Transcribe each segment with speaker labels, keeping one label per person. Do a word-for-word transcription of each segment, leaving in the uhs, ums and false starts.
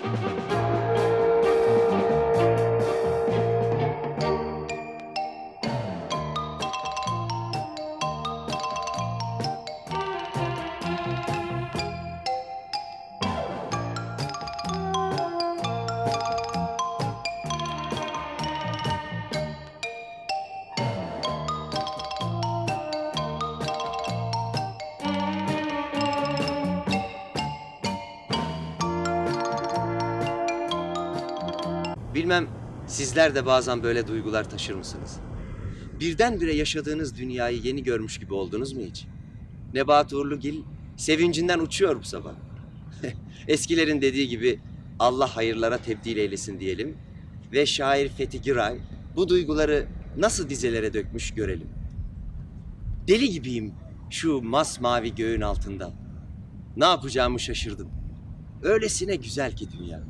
Speaker 1: Bilmem sizler de bazen böyle duygular taşır mısınız? Birdenbire yaşadığınız dünyayı yeni görmüş gibi oldunuz mu hiç? Nebahat Uğurlugil sevincinden uçuyor bu sabah. Eskilerin dediği gibi Allah hayırlara tebdil eylesin diyelim. Ve şair Fethi Giray bu duyguları nasıl dizelere dökmüş görelim. Deli gibiyim şu masmavi göğün altında. Ne yapacağımı şaşırdım. Öylesine güzel ki dünya.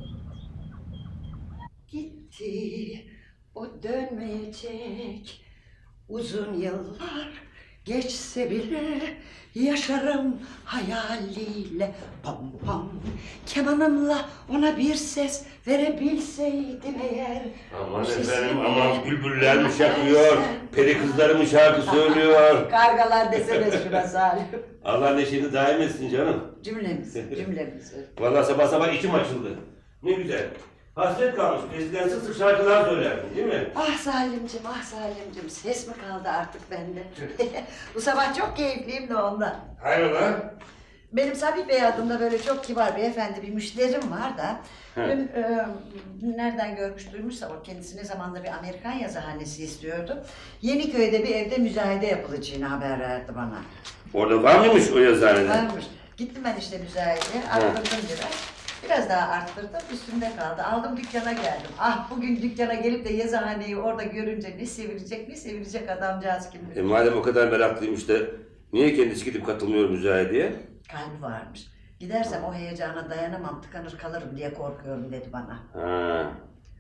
Speaker 2: Gitti, o dönmeyecek. Uzun yıllar geçse bile yaşarım hayaliyle. Pam pam, kemanımla ona bir ses verebilseydim eğer.
Speaker 3: Aman efendim, aman bülbüller mi şakıyor, peri kızları mı şarkı söylüyor?
Speaker 2: Kargalar desene şuna Salim.
Speaker 3: Allah neşeni daim etsin canım.
Speaker 2: Cümlemiz, cümlemiz.
Speaker 3: Vallahi sabah sabah içim açıldı. Ne güzel. Hasret kalmış, eskiden sık sık şarkılar söylerdin değil mi?
Speaker 2: Ah Salimcim, ah Salimcim, ses mi kaldı artık bende? Bu sabah çok keyifliyim de ondan.
Speaker 3: Hayrola?
Speaker 2: Benim Sabih Bey adında böyle çok kibar beyefendi bir müşterim var da dün e, nereden görmüş duymuşsa o kendisi ne zamanda bir Amerikan yazıhanesi istiyordu. Yeniköy'de bir evde müzayede yapılacağını haber verdi bana.
Speaker 3: Orada var mıymış o yazıhanede?
Speaker 2: Varmış. Gittim ben işte müzayedeye, arttırdım biraz. Biraz daha arttırdım, üstümde kaldı. Aldım dükkana geldim. Ah bugün dükkana gelip de yazıhaneyi orada görünce ne sevilecek ne sevilecek adamcağız kim bilir.
Speaker 3: E madem o kadar meraklıymış da niye kendisi gidip katılmıyor müzayedeye?
Speaker 2: Kalbi varmış. Gidersem o heyecana dayanamam, tıkanır kalırım diye korkuyorum dedi bana.
Speaker 3: Ha.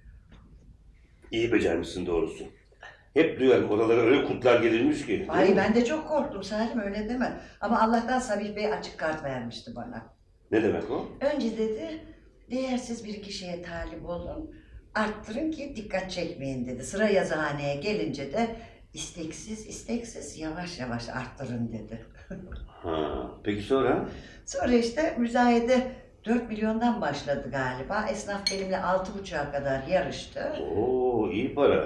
Speaker 3: İyi becermişsin doğrusu. Hep duyarım oralara öyle kurtlar gelirmiş ki.
Speaker 2: Ay ben de çok korktum Salim öyle deme. Ama Allah'tan Sabih Bey açık kart vermişti bana.
Speaker 3: Ne demek o?
Speaker 2: Önce dedi değersiz bir kişiye talip olun, arttırın ki dikkat çekmeyin dedi. Sıra yazıhaneye gelince de isteksiz isteksiz yavaş yavaş arttırın dedi.
Speaker 3: Ha. Peki sonra?
Speaker 2: Sonra işte müzayede dört milyondan başladı galiba. Esnaf benimle altı buçuğa kadar yarıştı.
Speaker 3: Oo iyi para.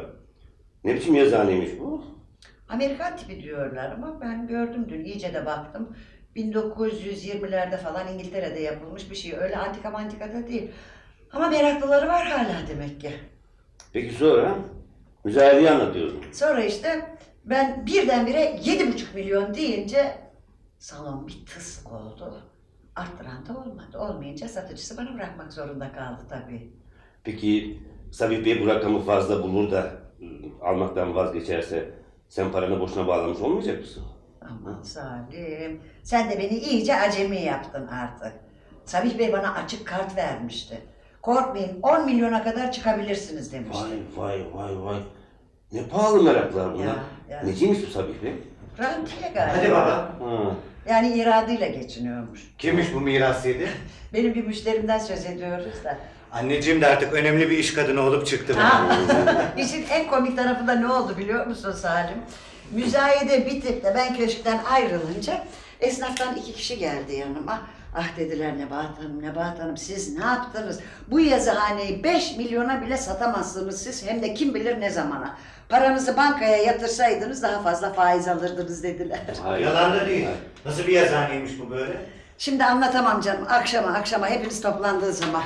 Speaker 3: Ne biçim yazıhaneymiş bu?
Speaker 2: Amerikan tipi diyorlar ama ben gördüm dün iyice de baktım. bin dokuz yüz yirmilerde falan İngiltere'de yapılmış bir şey. Öyle antika mantika da değil. Ama meraklıları var hala demek ki.
Speaker 3: Peki sonra? Müzayedeyi anlatıyorsun.
Speaker 2: Sonra işte ben birdenbire yedi buçuk milyon deyince salon bir tıs oldu. Arttıran da olmadı. Olmayınca satıcısı bana bırakmak zorunda kaldı tabii.
Speaker 3: Peki Sabih Bey bu rakamı fazla bulur da ıı, almaktan vazgeçerse sen paranı boşuna bağlamış olmayacak mısın?
Speaker 2: Aman Salim, sen de beni iyice acemi yaptın artık. Sabih Bey bana açık kart vermişti. Korkmayın on milyona kadar çıkabilirsiniz demişti.
Speaker 3: Vay vay vay vay. Ne pahalı meraklar bunlar.
Speaker 2: Ya, ya.
Speaker 3: Neciymiş bu Sabih Bey?
Speaker 2: Rantiye galiba.
Speaker 4: Hadi baba.
Speaker 3: Ha.
Speaker 2: Yani iradıyla geçiniyormuş.
Speaker 4: Kimmiş bu miras yedi?
Speaker 2: Benim bir müşterimden söz ediyoruz da.
Speaker 4: Anneciğim de artık önemli bir iş kadını olup çıktı.
Speaker 2: Ha, işin en komik tarafı da ne oldu biliyor musun Salim? Müzayede bitip de ben köşkten ayrılınca esnaftan iki kişi geldi yanıma. Ah dediler Nebahat Hanım, Nebahat Hanım siz ne yaptınız? Bu yazıhaneyi beş milyona bile satamazsınız siz hem de kim bilir ne zamana. Paranızı bankaya yatırsaydınız daha fazla faiz alırdınız dediler.
Speaker 3: Hayır.
Speaker 4: Yalan da değil. Nasıl bir yazıhaneymiş bu böyle?
Speaker 2: Şimdi anlatamam canım. Akşama akşama hepiniz toplandığı zaman.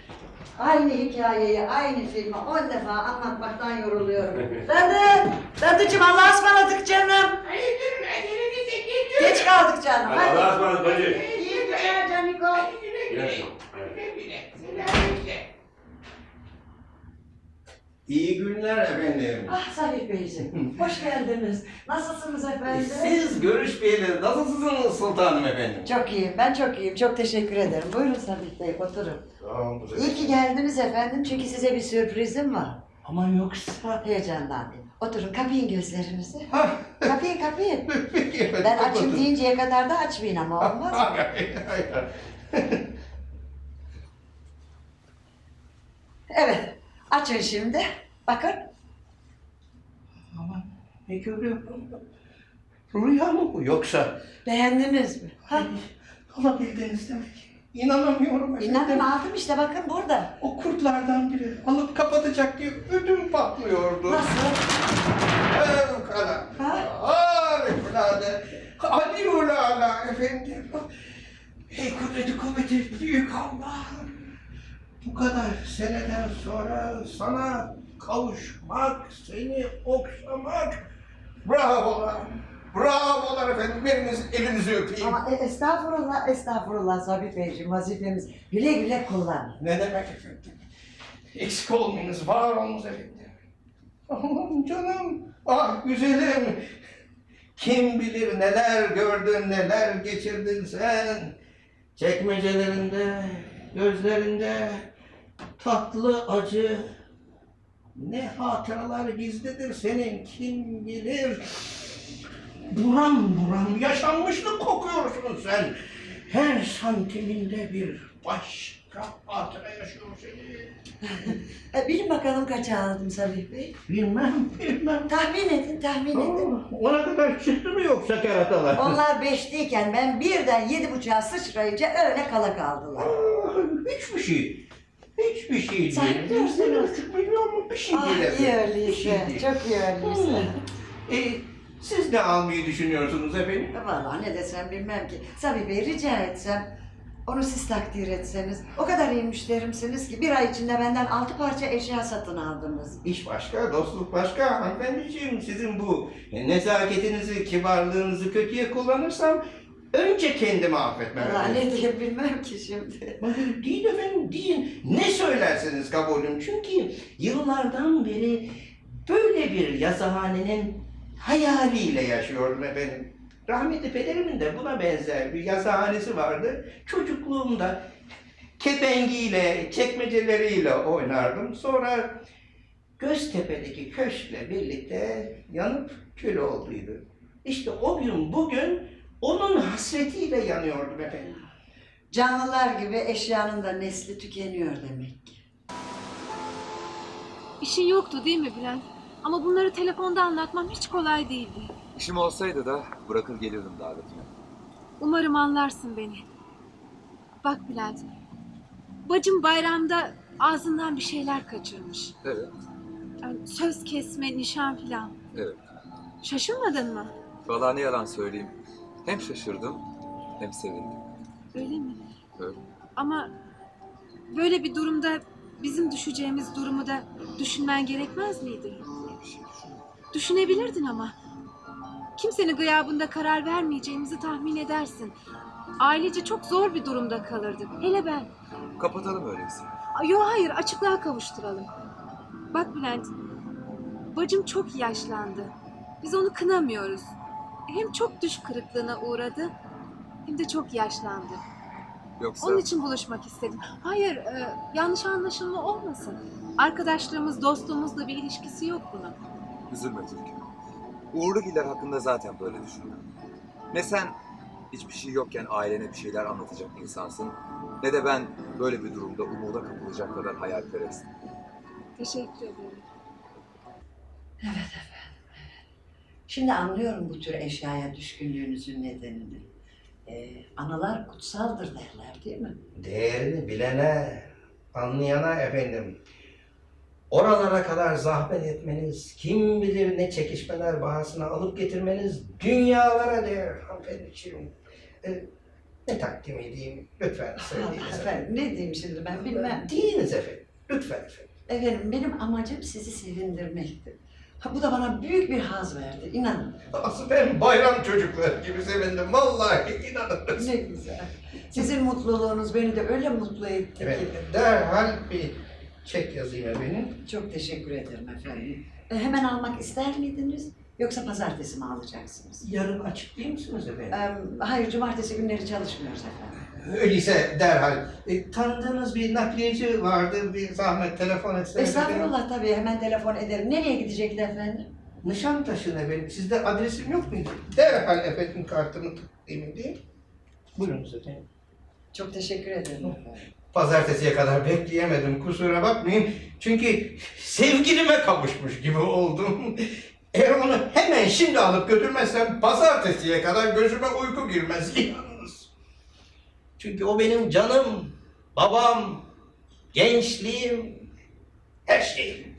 Speaker 2: Aynı hikayeyi, aynı filmi on defa anlatmaktan yoruluyorum. Dadı! Dadıcığım Allah'a ısmarladık canım. Geç kaldık canım.
Speaker 3: Hadi
Speaker 2: Hadi.
Speaker 3: Allah'a ısmarladık bacı.
Speaker 2: İyi günler Caniko.
Speaker 5: İyi günler efendim.
Speaker 2: Ah Sabih Beyciğim, hoş geldiniz. Nasılsınız efendim?
Speaker 5: Siz görüşmeyeli nasılsınız sultanım efendim?
Speaker 2: Çok iyiyim, ben çok iyiyim. Çok teşekkür ederim. Buyurun Sabih Bey, oturun. İyi ki geldiniz efendim, çünkü size bir sürprizim var.
Speaker 5: Ama yoksa...
Speaker 2: Heyecandan. Oturun, kapayın gözlerinizi.
Speaker 5: Hah.
Speaker 2: Kapayın, kapayın.
Speaker 5: Peki efendim.
Speaker 2: Ben açım
Speaker 5: kapatın.
Speaker 2: deyinceye kadar da açmayın ama olmaz mı?
Speaker 5: Hayır, hayır, hayır.
Speaker 2: Evet, açın şimdi. Bakın.
Speaker 5: Ama ne görüyorum? Rüya mı bu yoksa?
Speaker 2: Beğendiniz mi? Ha?
Speaker 5: Alabildiniz demek. İnanamıyorum efendim.
Speaker 2: İnanın aldım işte bakın burada.
Speaker 5: O kurtlardan biri alıp kapatacak diye ödüm patlıyordu.
Speaker 2: Nasıl?
Speaker 5: Fevkalade.
Speaker 2: Ha?
Speaker 5: Harikulade. Aliulala efendim. Ey kudreti kuvveti büyük Allah'ım. Bu kadar seneden sonra sana kavuşmak, seni okşamak. Bravolar. Bravolar efendim. Biriniz elinizi öpeyim.
Speaker 2: Ama e, estağfurullah, estağfurullah Sabit Beyciğim, vazifemiz. Güle güle kullan.
Speaker 5: Ne demek efendim? Eksik olmayınız, var olunuz efendim. Aman canım, ah güzelim. Kim bilir neler gördün, neler geçirdin sen. Çekmecelerinde, gözlerinde tatlı acı. Ne hatıralar gizlidir senin, kim bilir. Buram buram yaşanmışlık kokuyorsun sen. Her santiminde bir başka hatıra yaşıyor seni.
Speaker 2: E, bilin bakalım kaça aldım Sabit Bey.
Speaker 5: Bilmem, bilmem.
Speaker 2: Tahmin edin, tahmin edin.
Speaker 5: Aa, ona kadar çıktı mı yoksa keratalar?
Speaker 2: Onlar beşteyken ben birden yedi buçuğa sıçrayınca öyle kala kaldılar.
Speaker 5: Aa, hiçbir şey. Hiçbir şey değil.
Speaker 2: Sen biliyorsun.
Speaker 5: Bir buçuk milyon mu? Bir şey
Speaker 2: Ah
Speaker 5: değil
Speaker 2: iyi
Speaker 5: efendim. Bir
Speaker 2: öyleyse,
Speaker 5: şey değil.
Speaker 2: çok iyi öyleyse.
Speaker 5: E, siz ne almayı düşünüyorsunuz efendim?
Speaker 2: Vallahi ne desem bilmem ki. Sabit Bey rica etsem, onu siz takdir etseniz. O kadar iyi müşterimsiniz ki bir ay içinde benden altı parça eşya satın aldınız.
Speaker 5: İş başka, dostluk başka. Hanımefendiciğim, sizin bu nezaketinizi, kibarlığınızı kötüye kullanırsam önce kendimi affetmem
Speaker 2: Vallahi
Speaker 5: efendim.
Speaker 2: ne diyeyim bilmem ki şimdi.
Speaker 5: Hayır, değil efendim, değil. Ne söylerseniz kabulüm. Çünkü yıllardan beri böyle bir yazıhanenin hayaliyle yaşıyordum efendim. Rahmetli pederimin de buna benzer bir yazıhanesi vardı. Çocukluğumda kepengiyle, çekmeceleriyle oynardım. Sonra Göztepe'deki köşkle birlikte yanıp kül olduydu. İşte o gün bugün onun hasretiyle yanıyordum efendim.
Speaker 2: Canlılar gibi eşyanın da nesli tükeniyor demek ki.
Speaker 6: İşin yoktu değil mi Bülent? Ama bunları telefonda anlatmam hiç kolay değildi.
Speaker 7: İşim olsaydı da bırakır gelirdim davetine.
Speaker 6: Umarım anlarsın beni. Bak Bülent, bacım bayramda ağzından bir şeyler kaçırmış.
Speaker 7: Evet,
Speaker 6: Yani söz kesme, nişan filan.
Speaker 7: evet.
Speaker 6: Şaşırmadın mı?
Speaker 7: Vallahi ne yalan söyleyeyim. Hem şaşırdım hem sevindim.
Speaker 6: Öyle mi?
Speaker 7: Öyle.
Speaker 6: Ama böyle bir durumda bizim düşeceğimiz durumu da düşünmen gerekmez miydi?
Speaker 7: Böyle bir şey düşünüyorum.
Speaker 6: Düşünebilirdin ama. Kimsenin gıyabında karar vermeyeceğimizi tahmin edersin. Ailece çok zor bir durumda kalırdık. Hele ben.
Speaker 7: Kapatalım öyleyse.
Speaker 6: Yo hayır, açıklığa kavuşturalım. Bak Bülent, bacım çok yaşlandı. Biz onu kınamıyoruz. Hem çok düş kırıklığına uğradı, hem de çok yaşlandı.
Speaker 7: Yoksa
Speaker 6: Onun için buluşmak istedim. Hayır, e, yanlış anlaşılma olmasın. Arkadaşlığımız, dostluğumuzla bir ilişkisi yok bunun.
Speaker 7: üzülme Türk'üm. Uğurlugiller hakkında zaten böyle düşünüyorum. Ne sen hiçbir şey yokken ailene bir şeyler anlatacak insansın, ne de ben böyle bir durumda umuda kapılacak kadar hayalperestim.
Speaker 6: Teşekkür ederim.
Speaker 2: Evet efendim. Şimdi anlıyorum bu tür eşyaya düşkünlüğünüzün nedenini. Ee, analar kutsaldır derler değil mi?
Speaker 8: Değerini bilene, anlayana efendim. Oralara kadar zahmet etmeniz, kim bilir ne çekişmeler bahasına alıp getirmeniz dünyalara değer hanımefendiciğim. Ee, ne takdim edeyim? Lütfen söyleyiniz efendim.
Speaker 2: Efendim ne diyeyim şimdi ben bilmem.
Speaker 8: Deyiniz efendim. Lütfen efendim.
Speaker 2: Efendim benim amacım sizi sevindirmekti. Ha, bu da bana büyük bir haz verdi, inanın.
Speaker 5: Asıl ben bayram çocukları gibi sevindim. Vallahi inanın.
Speaker 2: Ne güzel. Sizin mutluluğunuz beni de öyle mutlu etti ki.
Speaker 8: Efendim derhal bir çek yazayım efendim.
Speaker 2: Çok teşekkür ederim efendim. E, hemen almak ister miydiniz? Yoksa pazartesi mi alacaksınız?
Speaker 8: Yarın açık değil misiniz efendim?
Speaker 2: E, hayır, cumartesi günleri çalışmıyoruz efendim.
Speaker 8: Öyleyse derhal. E, tanıdığınız bir nakliyeci vardı, bir zahmet telefon etseniz.
Speaker 2: Estağfurullah tabii, hemen telefon ederim. Nereye gidecekti efendim?
Speaker 8: Nişantaşı'na efendim. Sizde adresim yok muydu? Derhal efendim kartımı takdim edeyim. Buyurunuz efendim.
Speaker 2: Çok teşekkür ederim efendim.
Speaker 8: Pazartesiye kadar bekleyemedim, kusura bakmayın. Çünkü sevgilime kavuşmuş gibi oldum. Eğer onu hemen şimdi alıp götürmezsem pazartesiye kadar gözüme uyku girmez yalnız. Çünkü o benim canım, babam, gençliğim, her şeyim.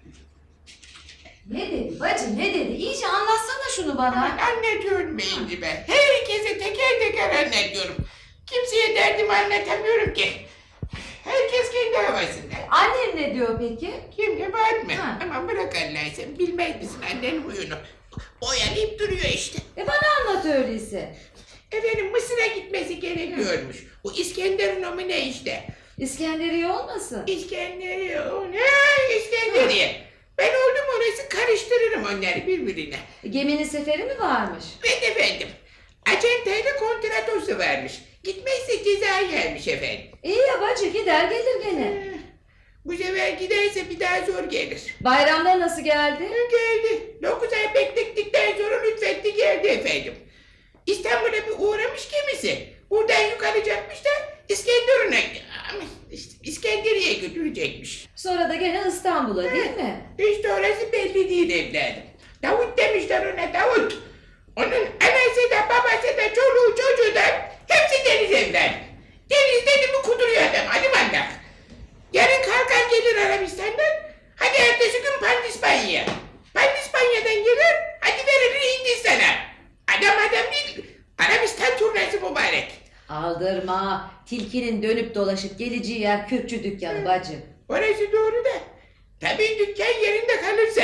Speaker 9: Ne dedi bacı ne dedi? İyice anlatsana şunu bana.
Speaker 10: Anlatıyorum beyinci ben. Herkese teker teker anlatıyorum. Kimseye derdimi anlatamıyorum ki. Herkes kendi havasında.
Speaker 9: Annem ne diyor peki?
Speaker 10: Kim kabahat mı?
Speaker 9: Ha.
Speaker 10: Aman bırak Allah'ı sen bilmez misin annenin huyunu? Oyalayıp duruyor işte.
Speaker 9: E bana anlat öyleyse.
Speaker 10: Efendim Mısır'a gitmesi gerekiyormuş. Bu İskenderun o mu ne işte?
Speaker 9: İskenderiye olmasın?
Speaker 10: İskenderiye o ne? İskenderiye. Ben oldum orası karıştırırım onları birbirine.
Speaker 9: Geminin seferi mi varmış?
Speaker 10: Evet efendim. Acentayla kontratosu varmış. Gitmezse ceza gelmiş efendim.
Speaker 9: İyi ya bacı gider gelir gene.
Speaker 10: Bu sefer giderse bir daha zor gelir.
Speaker 9: Bayramda nasıl geldi?
Speaker 10: Geldi. Dokuz ay beklettikten sonra lütfetti geldi efendim. İstanbul'a bir uğramış gemisi. Buradan yukarıcakmış da İskenderun'a, işte İskenderiye'ye götürecekmiş.
Speaker 9: Sonra da gene İstanbul'a değil mi?
Speaker 10: İşte orası belli değil evladım. Davut demişler ona Davut. Onun anası da babası da çoluğu çocuğu da hepsi deniz evladım. Deniz dedi mi kuduruyor adam hadi mandak. Yarın kalkar gelir Arabistan'dan. Hadi ertesi gün Pandispanya'ya. Pandispanya'dan gelir hadi verilir Hindistan'a. Adam adam değil Arabistan turnesi mübarek.
Speaker 9: Aldırma. Tilkinin dönüp dolaşıp geleceği yer kürkçü dükkanı bacı.
Speaker 10: Orası doğru da. Tabii dükkan yerinde kalırsa.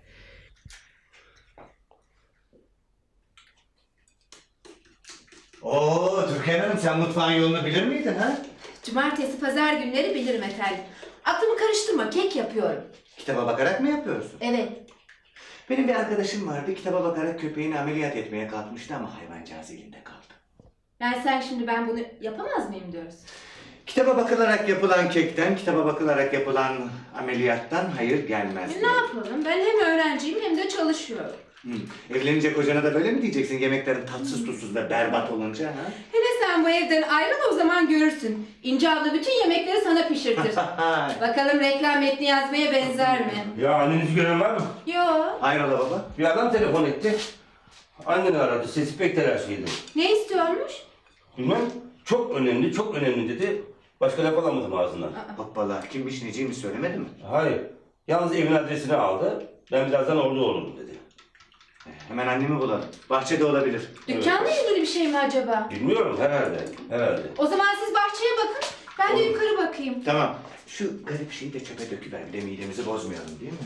Speaker 4: Oo Türkan Hanım sen mutfağın yolunu bilir miydin ha?
Speaker 11: Cumartesi, pazar günleri bilirim efendim. Aklımı karıştırma, kek yapıyorum.
Speaker 4: Kitaba bakarak mı yapıyorsun?
Speaker 11: Evet.
Speaker 4: Benim bir arkadaşım vardı. Kitaba bakarak köpeğini ameliyat etmeye kalkmıştı ama hayvancağız elinde kaldı.
Speaker 11: Yani sen şimdi ben bunu yapamaz mıyım diyorsun?
Speaker 4: Kitaba bakılarak yapılan kekten, kitaba bakılarak yapılan ameliyattan hayır gelmez.
Speaker 11: E, ne yapalım? Ben hem öğrenciyim hem de çalışıyorum.
Speaker 4: Hı. Evlenince kocana da böyle mi diyeceksin yemeklerin tatsız tuzsuz ve berbat olunca ha?
Speaker 11: Hele sen bu evden ayrıl o zaman görürsün. İnce abla bütün yemekleri sana pişirtir. Bakalım reklam metni yazmaya benzer mi?
Speaker 3: Ya annenizi gören var mı?
Speaker 11: Yo.
Speaker 4: Hayrola baba?
Speaker 3: Bir adam telefon etti. Anneni aradı. Sesi pek telaşlıydı.
Speaker 11: Ne istiyormuş?
Speaker 3: Bilmem. Çok önemli, çok önemli dedi. Başka laf alamadım ağzından.
Speaker 4: Hoppala kimmiş neciymiş söylemedi mi?
Speaker 3: Hayır. Yalnız evin adresini aldı. Ben birazdan orada olurum dedi.
Speaker 4: Hemen annemi bulalım. Bahçede olabilir.
Speaker 11: Dükkanla ilgili bir şey mi acaba?
Speaker 3: Bilmiyorum herhalde. Herhalde.
Speaker 11: O zaman siz bahçeye bakın. Ben de yukarı bakayım.
Speaker 4: Tamam. Şu garip şeyi de çöpe döküver. Bir de midemizi bozmayalım değil mi?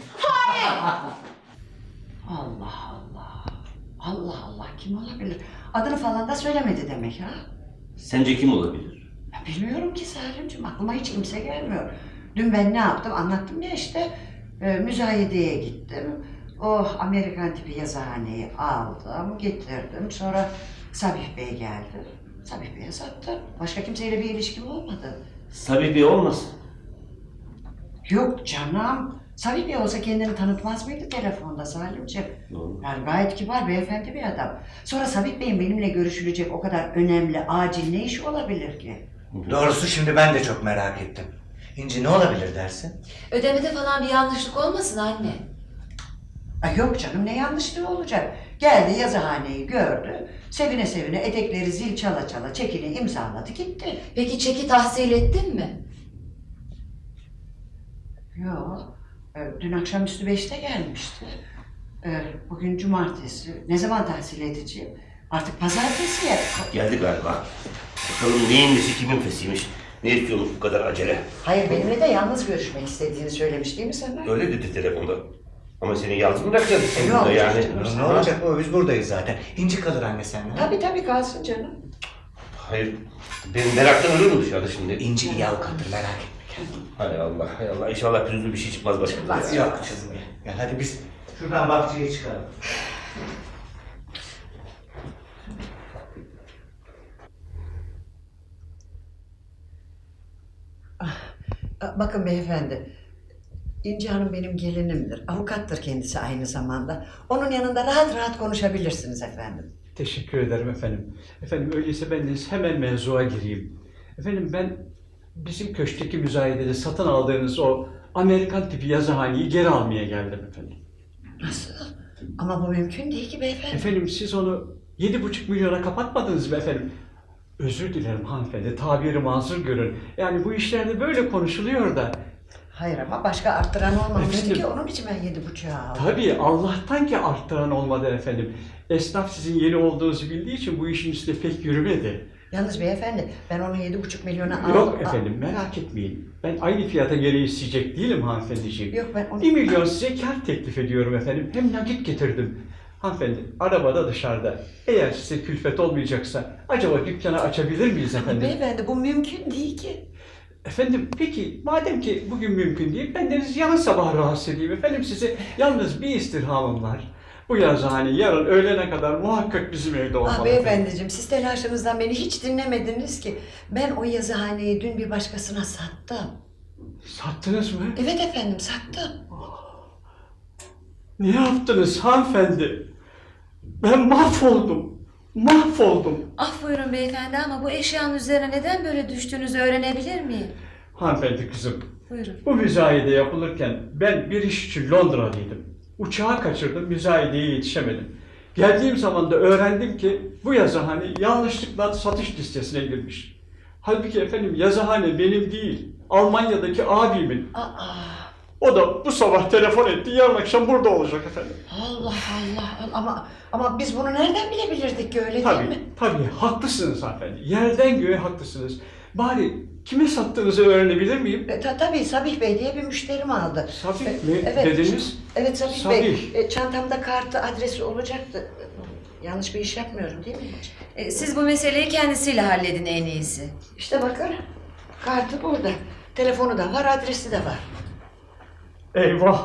Speaker 2: Allah Allah. Allah Allah kim olabilir? Adını falan da söylemedi demek ha?
Speaker 3: Sence kim olabilir?
Speaker 2: Ya bilmiyorum ki Salimciğim aklıma hiç kimse gelmiyor. Dün ben ne yaptım anlattım ya işte. E, müzayedeye gittim. Oh Amerikan tipi yazıhaneyi aldım, getirdim. Sonra Sabih Bey geldi. Sabih Bey'e sattım. Başka kimseyle bir ilişkim olmadı.
Speaker 3: Sabih Bey olmasın?
Speaker 2: Yok canım. Sabih Bey olsa kendini tanıtmaz mıydı telefonda Salimciğim?
Speaker 3: Doğru.
Speaker 2: Yani gayet kibar, beyefendi bir adam. Sonra Sabih Bey'in benimle görüşülecek o kadar önemli, acil ne işi olabilir ki?
Speaker 4: Doğrusu şimdi ben de çok merak ettim. İnci ne olabilir dersin?
Speaker 9: Ödemede falan bir yanlışlık olmasın anne.
Speaker 2: Ay yok canım ne yanlışlığı olacak. Geldi yazıhaneyi gördü. Sevine sevine etekleri zil çala çala çekini imzaladı gitti.
Speaker 9: Peki çeki tahsil ettin mi?
Speaker 2: Yok. e, Dün akşamüstü beşte gelmişti. E, Bugün cumartesi. Ne zaman tahsil edeceğim? Artık pazartesi ya.
Speaker 3: Geldi galiba. Bakalım neyin nesi kimin fesiymiş? Ne istiyormuş bu kadar acele?
Speaker 2: Hayır benimle de yalnız görüşmek istediğini söylemiş değil mi sana?
Speaker 3: Öyle dedi telefonda. Ama seni yalnız mı bırakacağız sen
Speaker 2: Yok,
Speaker 3: burada yani?
Speaker 4: Ne olacak baba biz buradayız zaten. İnci kalır anne seninle.
Speaker 2: Tabii tabii kalsın canım.
Speaker 3: Hayır. Ben meraktan ölürüm dışarıda şimdi.
Speaker 4: İnci iyi avukattır merak etme.
Speaker 3: Hay Allah, hay Allah. İnşallah pürüzlü bir şey çıkmaz başımıza.
Speaker 2: Çıkmaz.
Speaker 3: ya.
Speaker 4: Yok kızım ya. Gel hadi biz şuradan bahçeye çıkalım.
Speaker 2: Bakın beyefendi, İnci Hanım benim gelinimdir. Avukattır kendisi aynı zamanda. Onun yanında rahat rahat konuşabilirsiniz efendim.
Speaker 12: Teşekkür ederim efendim. Efendim öyleyse ben de hemen mevzuya gireyim. Efendim ben bizim köşkteki müzayedede satın aldığınız o Amerikan tipi yazıhaneyi geri almaya geldim efendim.
Speaker 2: Nasıl? Ama bu mümkün değil ki beyefendi.
Speaker 12: Efendim siz onu yedi buçuk milyona kapatmadınız mı efendim? Özür dilerim hanımefendi, tabiri mazur görün. Yani bu işlerde böyle konuşuluyor da.
Speaker 2: Hayır ama başka arttıran olmamıştı
Speaker 12: Efendim,
Speaker 2: ki onun için ben yedi buçuğa aldım.
Speaker 12: Tabii Allah'tan ki arttıran olmadı efendim. Esnaf sizin yeni olduğunuzu bildiği için bu işin üstüne pek yürümedi.
Speaker 2: Yalnız beyefendi ben onu yedi buçuk milyona aldım.
Speaker 12: Yok efendim merak etmeyin. Ben aynı fiyata geri isteyecek değilim hanımefendiciğim.
Speaker 2: Yok ben onu...
Speaker 12: Bir milyon size kar teklif ediyorum efendim. Hem nakit getirdim. Hanımefendi arabada dışarıda. Eğer size külfet olmayacaksa acaba dükkanı açabilir miyiz efendim?
Speaker 2: Beyefendi bu mümkün değil ki.
Speaker 12: Efendim peki madem ki bugün mümkün değil ben deniz yarın sabah rahatsız edeyim efendim size. Yalnız bir istirhamım var. Bu yazıhane yarın öğlene kadar muhakkak bizim evde olmalı.
Speaker 2: Ah beyefendiciğim siz telaşınızdan beni hiç dinlemediniz ki. Ben o yazıhaneyi dün bir başkasına sattım.
Speaker 12: Sattınız mı?
Speaker 2: Evet efendim sattım.
Speaker 12: Ne yaptınız hanımefendi? Ben mahvoldum. Mahvoldum.
Speaker 9: Ah buyurun beyefendi ama bu eşyanın üzerine neden böyle düştüğünüzü öğrenebilir miyim?
Speaker 12: Hanımefendi kızım.
Speaker 9: Buyurun.
Speaker 12: Bu müzayede yapılırken ben bir iş için Londra'daydım. Uçağı kaçırdım, müzayedeye yetişemedim. Geldiğim zaman da öğrendim ki bu yazıhane yanlışlıkla satış listesine girmiş. Halbuki efendim yazıhane benim değil, Almanya'daki abimin.
Speaker 2: Aa.
Speaker 12: O da bu sabah telefon etti, yarın akşam burada olacak efendim.
Speaker 2: Allah Allah ama ama biz bunu nereden bilebilirdik ki öyle
Speaker 12: Tabii,
Speaker 2: değil mi?
Speaker 12: tabii haklısınız hanımefendi. Yerden göğe haklısınız. Bari kime sattığınızı öğrenebilir miyim?
Speaker 2: E, ta, tabii Sabih Bey diye bir müşterim aldı.
Speaker 12: Sabih
Speaker 2: E,
Speaker 12: mi
Speaker 2: evet,
Speaker 12: dediniz?
Speaker 2: Evet Sabih,
Speaker 12: Sabih.
Speaker 2: Bey. E, çantamda kartı, adresi olacaktı. Yanlış bir iş yapmıyorum değil mi hiç?
Speaker 9: E, siz bu meseleyi kendisiyle halledin en iyisi.
Speaker 2: İşte bakın kartı burada. Telefonu da var, adresi de var.
Speaker 12: Eyvah!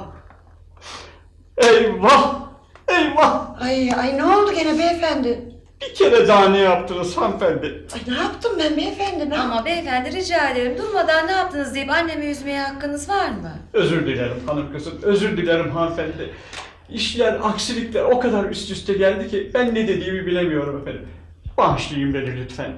Speaker 12: Eyvah! Eyvah!
Speaker 2: Ay ay ne oldu gene beyefendi?
Speaker 12: Bir kere daha ne yaptınız hanımefendi?
Speaker 2: Ay ne yaptım ben beyefendi? Ne
Speaker 9: Ama beyefendi rica ederim durmadan ne yaptınız deyip annemi üzmeye hakkınız var mı?
Speaker 12: Özür dilerim hanım kızım, özür dilerim hanımefendi. İşler, aksilikler o kadar üst üste geldi ki ben ne dediğimi bilemiyorum efendim. Bağışlayın beni lütfen.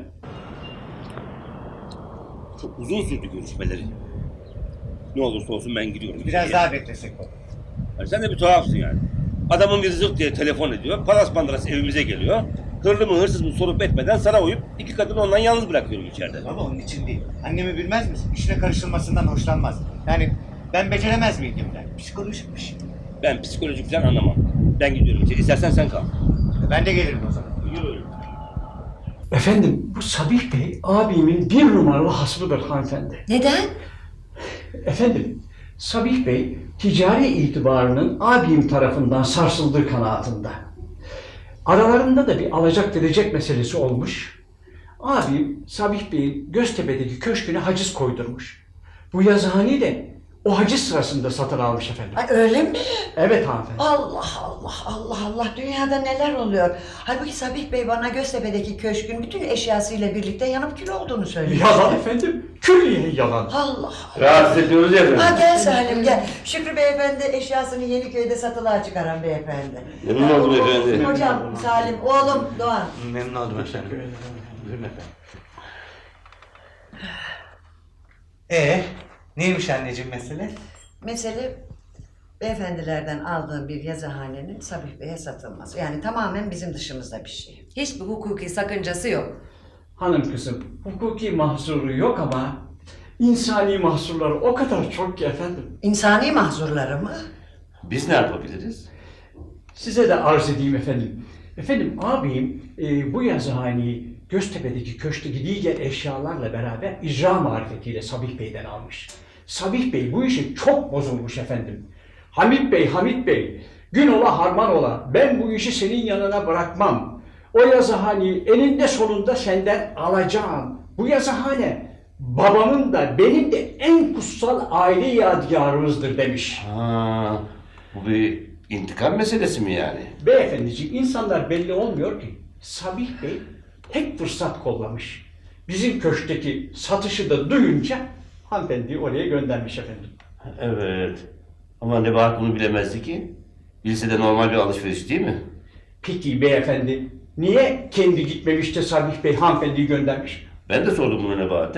Speaker 3: Çok uzun sürdü görüşmeleri. Ne olursa olsun ben gidiyorum.
Speaker 4: Biraz daha beklesek baba.
Speaker 3: Yani sen de bir tuhafsın yani. Adamın bir zırt diye telefon ediyor. Palas pandaras evimize geliyor. Hırlı mı hırsız mı sorup etmeden sana uyup iki kadını ondan yalnız bırakıyorum içeride.
Speaker 4: Baba onun için değil. Annemi bilmez misin? İşine karışılmasından hoşlanmaz. Yani ben beceremez miydim der. Psikolojikmiş.
Speaker 3: Ben psikolojik falan anlamam. Ben gidiyorum içeri. İstersen sen kal.
Speaker 4: Ben de gelirim o zaman.
Speaker 3: Yürü.
Speaker 12: Efendim bu Sabih Bey abimin bir numaralı hasmıdır hanımefendi.
Speaker 9: Neden?
Speaker 12: Efendim Sabih Bey ticari itibarının abim tarafından sarsıldığı kanaatinde. Aralarında da bir alacak verecek meselesi olmuş. Abim Sabih Bey'in Göztepe'deki köşküne haciz koydurmuş. Bu yazıhaneyi de o haciz sırasında satın almış efendim.
Speaker 2: Ay öyle mi?
Speaker 12: Evet hanımefendi.
Speaker 2: Allah Allah Allah Allah dünyada neler oluyor? Halbuki Sabih Bey bana Göztepe'deki köşkün bütün eşyasıyla birlikte yanıp kül olduğunu söylüyor.
Speaker 12: Yalan efendim. Külliyen yalan.
Speaker 2: Allah
Speaker 3: Rahatsız ediyoruz ya efendim.
Speaker 2: Ha gel Salim gel. Şükrü Beyefendi eşyasını Yeniköy'de satılığa çıkaran beyefendi.
Speaker 3: Memnun oldum
Speaker 2: Ha, o-
Speaker 3: efendim.
Speaker 2: Hocam Salim, oğlum Doğan.
Speaker 4: Memnun oldum efendim. Buyurun efendim. Ee, neymiş anneciğim mesele?
Speaker 2: Mesele beyefendilerden aldığım bir yazıhanenin Sabih Bey'e satılması. Yani tamamen bizim dışımızda bir şey.
Speaker 9: Hiçbir hukuki sakıncası yok.
Speaker 12: Hanım kızım hukuki mahzuru yok ama insani mahzurları o kadar çok ki efendim.
Speaker 2: İnsani mahzurları mı?
Speaker 3: Biz ne yapabiliriz?
Speaker 12: Size de arz edeyim efendim. Efendim abim e, bu yazıhaneyi Göztepe'deki köşkteki diğer eşyalarla beraber icra marifetiyle Sabih Bey'den almış. Sabih Bey bu işi çok bozulmuş efendim. Hamit Bey, Hamit Bey, gün ola harman ola ben bu işi senin yanına bırakmam. O yazıhaneyi eninde sonunda senden alacağım. Bu yazıhane babamın da benim de en kutsal aile yadigarımızdır demiş.
Speaker 3: Ha, bu bir intikam meselesi mi yani?
Speaker 12: Beyefendiciğim insanlar belli olmuyor ki. Sabih Bey tek fırsat kollamış. Bizim köşkteki satışı da duyunca hanımefendiyi oraya göndermiş efendim.
Speaker 3: Evet. Ama Nebahat bunu bilemezdi ki. Bilse de normal bir alışveriş değil mi?
Speaker 12: Peki beyefendi niye kendi gitmemiş de Sabih Bey hanımefendiyi göndermiş?
Speaker 3: Ben de sordum bunu Nebahat'e.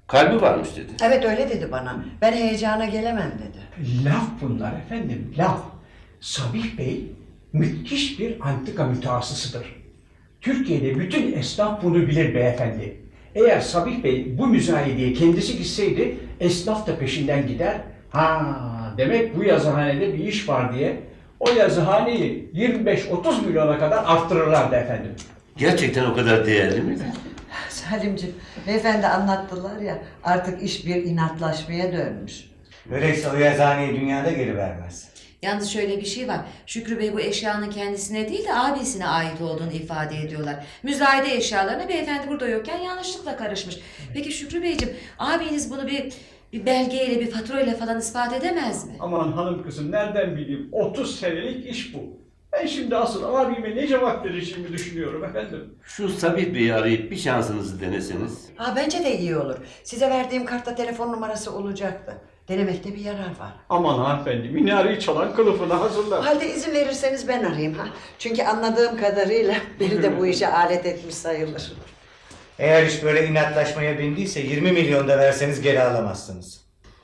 Speaker 3: Kalbi varmış dedi.
Speaker 2: Evet öyle dedi bana. Ben heyecana gelemem dedi.
Speaker 12: Laf bunlar efendim, laf. Sabih Bey müthiş bir antika mütehassısıdır. Türkiye'de bütün esnaf bunu bilir beyefendi. Eğer Sabih Bey bu müzayedeye kendisi gitseydi, esnaf da peşinden gider. Ha, demek bu yazıhanede bir iş var diye o yazıhaneyi yirmi beş otuz milyona kadar arttırırlardı efendim.
Speaker 3: Gerçekten o kadar değerli miydi?
Speaker 2: Salimciğim, beyefendi anlattılar ya, artık iş bir inatlaşmaya dönmüş.
Speaker 4: Öyleyse o yazıhaneyi dünyada geri vermez.
Speaker 9: Yalnız şöyle bir şey var. Şükrü Bey bu eşyanın kendisine değil de abisine ait olduğunu ifade ediyorlar. Müzayede eşyalarına beyefendi burada yokken yanlışlıkla karışmış. Peki Şükrü Beyciğim, abiniz bunu bir bir belgeyle, bir faturayla falan ispat edemez mi?
Speaker 12: Aman hanım kızım nereden bileyim, otuz senelik iş bu. Ben şimdi asıl abime ne cevap vereceğimi düşünüyorum efendim.
Speaker 3: Şu Sabih Bey'i arayıp bir şansınızı deneseniz.
Speaker 2: Ha bence de iyi olur. Size verdiğim kartta telefon numarası olacaktı. Denemekte bir yarar var.
Speaker 12: Aman hanımefendi, minareyi çalan kılıfını
Speaker 2: O
Speaker 12: hazırlar.
Speaker 2: halde izin verirseniz ben arayayım ha. Çünkü anladığım kadarıyla beni de bu işe alet etmiş sayılır.
Speaker 4: Eğer iş böyle inatlaşmaya bindiyse yirmi milyon da verseniz geri alamazsınız.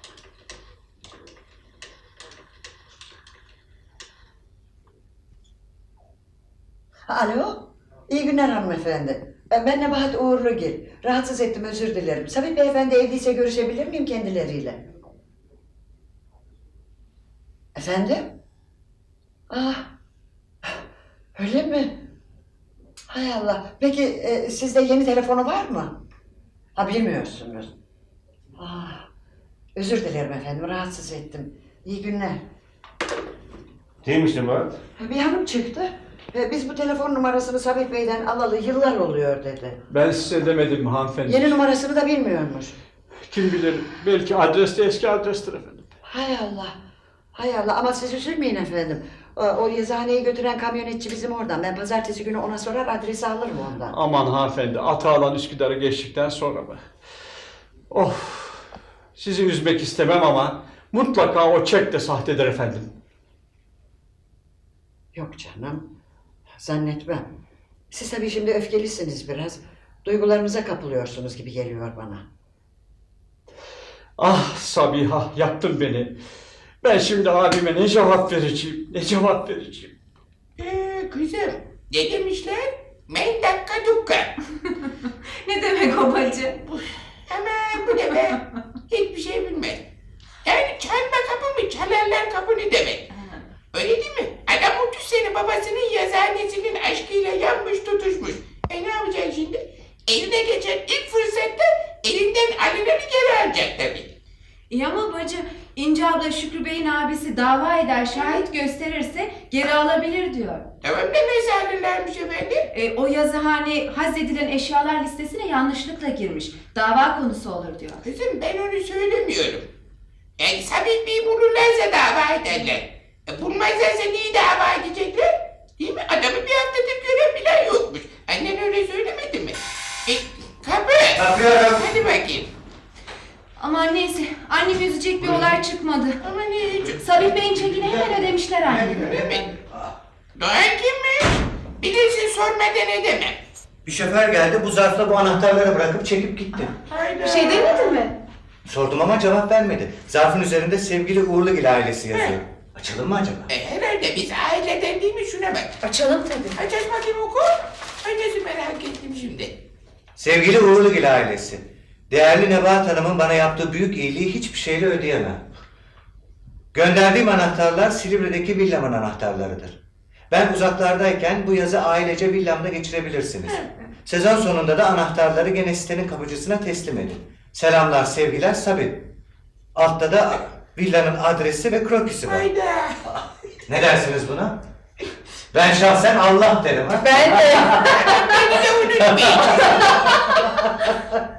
Speaker 2: Alo, iyi günler hanımefendi. Ben, ben Nebahat Uğurlugil. Rahatsız ettim, özür dilerim. Sabih Beyefendi evdeyse görüşebilir miyim kendileriyle? Efendim? Ah, öyle mi? Hay Allah. Peki e, sizde yeni telefonu var mı? Ha bilmiyorsunuz. Ah, özür dilerim efendim, rahatsız ettim. İyi günler.
Speaker 3: Neymiş Nebahat?
Speaker 2: Bir hanım çıktı. E, Biz bu telefon numarasını Sabit Bey'den alalı yıllar oluyor dedi.
Speaker 12: Ben size demedim mi hanımefendi?
Speaker 2: Yeni numarasını da bilmiyormuş.
Speaker 12: Kim bilir, belki adres de eski adrestir efendim.
Speaker 2: Hay Allah. Hay Allah ama siz üzülmeyin efendim. O, o yazıhaneyi götüren kamyonetçi bizim oradan. Ben pazartesi günü ona sorar adresi alırım ondan.
Speaker 12: Aman hanımefendi, Atalan Üsküdar'ı geçtikten sonra mı? Of, sizi üzmek istemem ama mutlaka o çek de sahtedir efendim.
Speaker 2: Yok canım. Zannetmem. Siz tabii şimdi öfkelisiniz biraz. Duygularınıza kapılıyorsunuz gibi geliyor bana.
Speaker 12: Ah Sabiha, yaktın beni. Ben şimdi abime ne cevap vereceğim, ne cevap vereceğim?
Speaker 10: Ee, kızım, ne demişler? Men dakika dukka.
Speaker 11: Ne demek o bacı?
Speaker 10: Ama bu ne be? Hiçbir şey bilmez. Yani çalma kapı mı, çalarlar kapı ne demek? Öyle değil mi? Adam otuz sene babasının yazıhanesinin aşkıyla yanmış tutuşmuş. E ne yapacaksın şimdi? Eline geçen ilk fırsatta elinden alınanı geri alacak tabii.
Speaker 11: İyi ama bacı, İnce abla Şükrü Bey'in abisi dava eder, şahit gösterirse geri alabilir diyor.
Speaker 10: Tamam da nasıl alırlarmış efendim?
Speaker 11: E, o yazıhane hazredilen eşyalar listesine yanlışlıkla girmiş. Dava konusu olur diyor.
Speaker 10: Kızım ben onu söylemiyorum. Yani Sabit Bey'i bulurlarsa dava ederler. E, bulmazlarsa niye dava edecekler? Değil mi? Adamı bir haftadır gören bile yokmuş. Annen öyle söylemedi mi? E, kapı!
Speaker 4: Kapıyorum.
Speaker 10: Hadi bakayım.
Speaker 11: Aman neyse, annemi üzecek bir olay çıkmadı.
Speaker 10: Ama ne hiç...
Speaker 11: Sabit Bey'in çekini hemen ödemişler anne.
Speaker 10: Öyle mi? Doğan kimmiş? Bilirsin sormadan edemem.
Speaker 4: Bir şoför geldi bu zarfla bu anahtarları bırakıp çekip gitti.
Speaker 10: Hayda.
Speaker 11: Bir şey demedin mi?
Speaker 4: Sordum ama cevap vermedi. Zarfın üzerinde sevgili Uğurlugil ailesi yazıyor. Açalım mı acaba?
Speaker 10: E, herhalde biz aileden değil mi? Şuna bak.
Speaker 11: Açalım tabii.
Speaker 10: Aç aç bakayım oku. Ay nasıl merak ettim şimdi.
Speaker 4: Sevgili Uğurlugil ailesi. Değerli Nebahat Hanım'ın bana yaptığı büyük iyiliği hiçbir şeyle ödeyemem. Gönderdiğim anahtarlar Silivri'deki villamın anahtarlarıdır. Ben uzaklardayken bu yazı ailece villamda geçirebilirsiniz. Sezon sonunda da anahtarları gene sitenin kapıcısına teslim edin. Selamlar, sevgiler Sabit. Altta da villanın adresi ve krokisi var.
Speaker 10: Hayda.
Speaker 4: Ne dersiniz buna? Ben şahsen Allah derim. Ha?
Speaker 11: Ben de.
Speaker 10: Beni de unutmayın.